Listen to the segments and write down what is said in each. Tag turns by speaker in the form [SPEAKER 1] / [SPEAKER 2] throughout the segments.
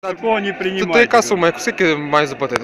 [SPEAKER 1] Такого не приймають.
[SPEAKER 2] То яка сума, скільки має заплатити?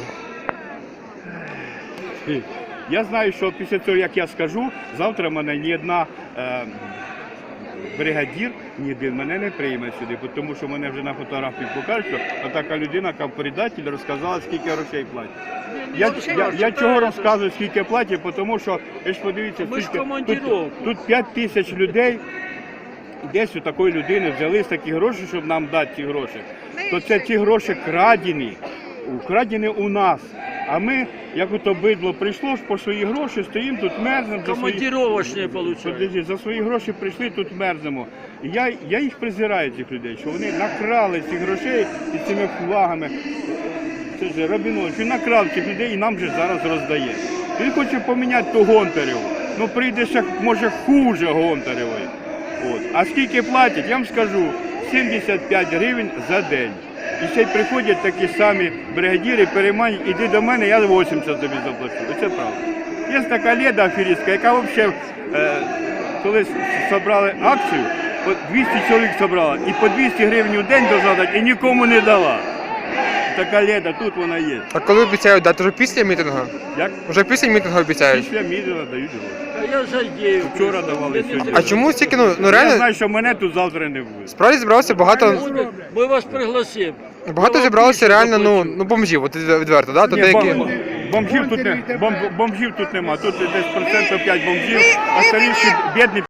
[SPEAKER 1] Я знаю, що після того, як я скажу, завтра мене ні одна бригадір, ні один мене не прийме сюди, тому що мене вже на фотографії покажуть, що така людина, яка предатель, розказала, скільки грошей платять. Я чого розказую, скільки платять, тому що, ви ж подивіться, тут 5 тисяч людей, десь у такої людини взяли з такі гроші, щоб нам дати ці гроші, то це ті гроші украдені у нас. А ми, як ото бидло прийшло ж по свої гроші, стоїмо тут, мерзнемо.
[SPEAKER 3] Командировочні получають.
[SPEAKER 1] За свої гроші прийшли, тут мерзнемо. І я їх презираю, цих людей, що вони накрали цих грошей і цими флагами. Це ж Рабінович, він накрав цих людей і нам вже зараз роздає. Він хоче поміняти ту Гонтареву. Ну прийде ще, може, хуже Гонтаревої. А скільки платять, я вам скажу, 75 гривень за день. І ще й приходять такі самі бригадіри, переймають, іди до мене, я 80 тобі заплачу. Це правда. Є така Леда аферистка, яка взагалі, коли зібрали акцію, 200 чоловік зібрала, і по 200 гривень у день дозадати, і нікому не дала. Така Леда, тут вона є.
[SPEAKER 2] А коли обіцяють дати? Вже після мітингу?
[SPEAKER 1] Як?
[SPEAKER 2] Вже після мітингу обіцяють?
[SPEAKER 1] Після мітингу дають гроші.
[SPEAKER 3] Я задію.
[SPEAKER 1] Вчора давали, сьогодні.
[SPEAKER 2] А чому стільки, ну
[SPEAKER 1] Я
[SPEAKER 2] реально,
[SPEAKER 1] знаю, що мене тут завтра не буде.
[SPEAKER 2] справді зібралося багато,
[SPEAKER 3] Ми вас пригласимо.
[SPEAKER 2] багато зібралося реально, ну бомжів, от відверто, да? То
[SPEAKER 1] Ні,
[SPEAKER 2] деякі...
[SPEAKER 1] бомжів тут нема, тут десь процентів 5 бомжів, а старіші бідні